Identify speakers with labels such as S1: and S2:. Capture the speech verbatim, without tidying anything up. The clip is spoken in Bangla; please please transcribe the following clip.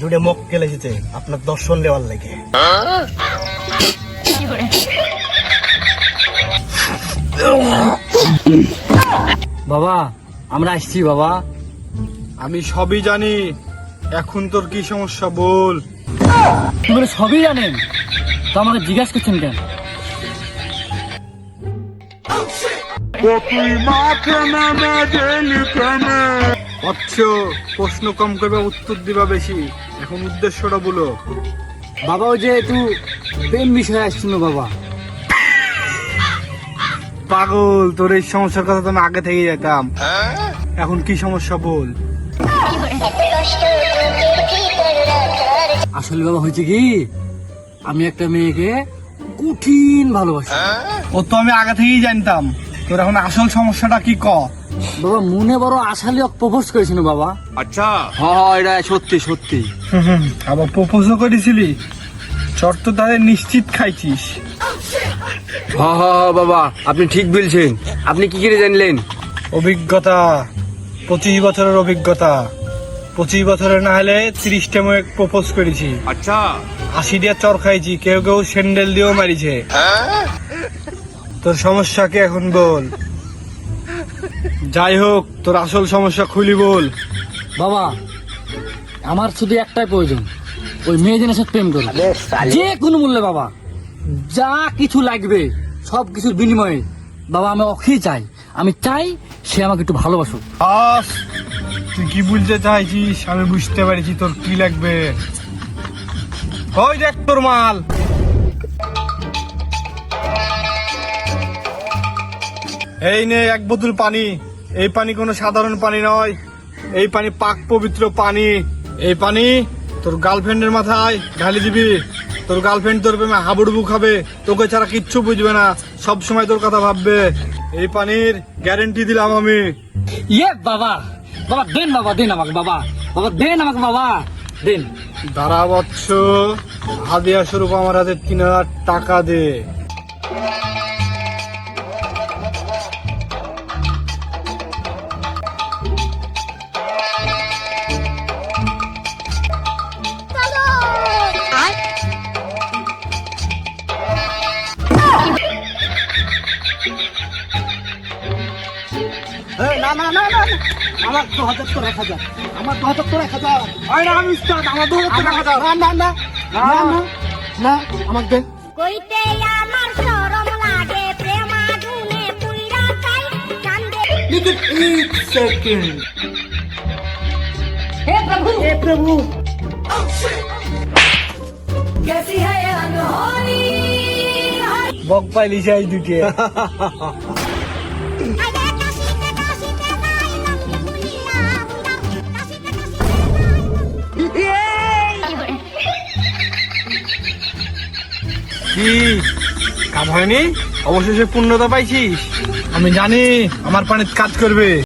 S1: দুটো মক্কেল এসেছে আপনার দর্শন নেওয়ার লাগে।
S2: বাবা আমরা আসছি বাবা।
S3: আমি সবই জানি, এখন তোর কি সমস্যা বল।
S2: তুমি সবই জানেন তো আমাকে জিজ্ঞাসা করছেন কেন?
S3: অচ্ছ প্রশ্ন কম করবে, উত্তর দিবা বেশি। এখন উদ্দেশ্যটা বলো।
S2: বাবা ওই যে একটু প্রেম বিষয়ে আসছিল বাবা।
S3: পাগল, তোর এই সমস্যার কথা তো আমি আগে থেকে যেতাম। এখন কি সমস্যা বল।
S2: আসলে বাবা হয়েছে কি, আমি একটা মেয়েকে কঠিন ভালোবাসি।
S3: ও তো আমি আগে থেকেই জানতাম। তোর এখন আসল সমস্যাটা কি ক।
S2: বাবা মনে বড় আশালি প্রপোজ করেছিল বাবা।
S4: আচ্ছা
S2: হ্যাঁ এটা সত্যি সত্যি।
S3: আবার প্রপোজও করেছিলি? চট তো তাদের নিশ্চিত খাইছিস।
S5: হ্যাঁ হ্যাঁ বাবা আপনি ঠিক বলছেন। আপনি কি করে জানলেন?
S3: অভিজ্ঞতা, পঁচিশ বছরের অভিজ্ঞতা। পঁচিশ বছরের না হলে ত্রিশটা মেয়ে প্রপোজ করেছি,
S4: আচ্ছা
S3: আশি দিয়ে চর খাইছি, কেউ কেউ স্যান্ডেল দিয়েও মারিছে। তোর সমস্যা কি এখন বল। যাই হোক, তোর আসল সমস্যা খুলি বল।
S2: বাবা আমার শুধু একটাই প্রয়োজন, ওই মেয়ে জনের সাথে প্রেম করো যে কোনো মূল্যে বাবা। যা কিছু লাগবে সব কিছুর বিনিময়ে বাবা আমি ওকেই চাই। আমি চাই সে আমাকে একটু ভালোবাসুক।
S3: আস, তুই কি বলতে চাইছিস আমি বুঝতে পারছি। তোর কি লাগবে? ওই দেখ তোর মাল। এই নে এক বোতল পানি। এই পানি কোনো সাধারণ পানি নয়, এই পানি পাক পবিত্র পানি। এই পানি তোর গার্লফ্রেন্ডের মাথায় ঢালি দিবি। তোর গার্লফ্রেন্ড তোর প্রেমে হাবুডুবু খাবে, তোকে ছাড়া কিচ্ছু বুঝবে না, সব সময় তোর কথা ভাববে। এই পানির গ্যারেন্টি দিলাম আমি।
S2: ইয়ে বাবা, বাবা দেন, বাবা দেন আমাকে, বাবা বাবা দেন আমাকে, বাবা দেন।
S3: দাঁড়া বৎস, হাদিয়া স্বরূপ আমার হাতে তিন হাজার টাকা দে।
S1: না না না না, আমার দু হাজার তো এক হাজার, আমার দু হাজার তো এক হাজার।
S3: আমি উস্তাদ, আমার দু হাজার টাকা দাও।
S1: না না না না না না, আমার দে।
S6: কইতে আমার শরম লাগে প্রেম আগুনে পুইরা চাই কান্দে।
S1: लेकिन एक सेकंड,
S6: হে প্রভু
S1: हे प्रभु।
S6: कैसी है ये अनहोनी
S3: বক পাইলি সেই দুটে।
S6: আগে কাশিতে কাশিতে যাইলাম ভুলিয়া বুড়া কাশিতে
S3: কি কাজ হয়নি? অবশেষে পূর্ণতা পাইছিস। আমি জানি আমার পানিতে কাজ করবে।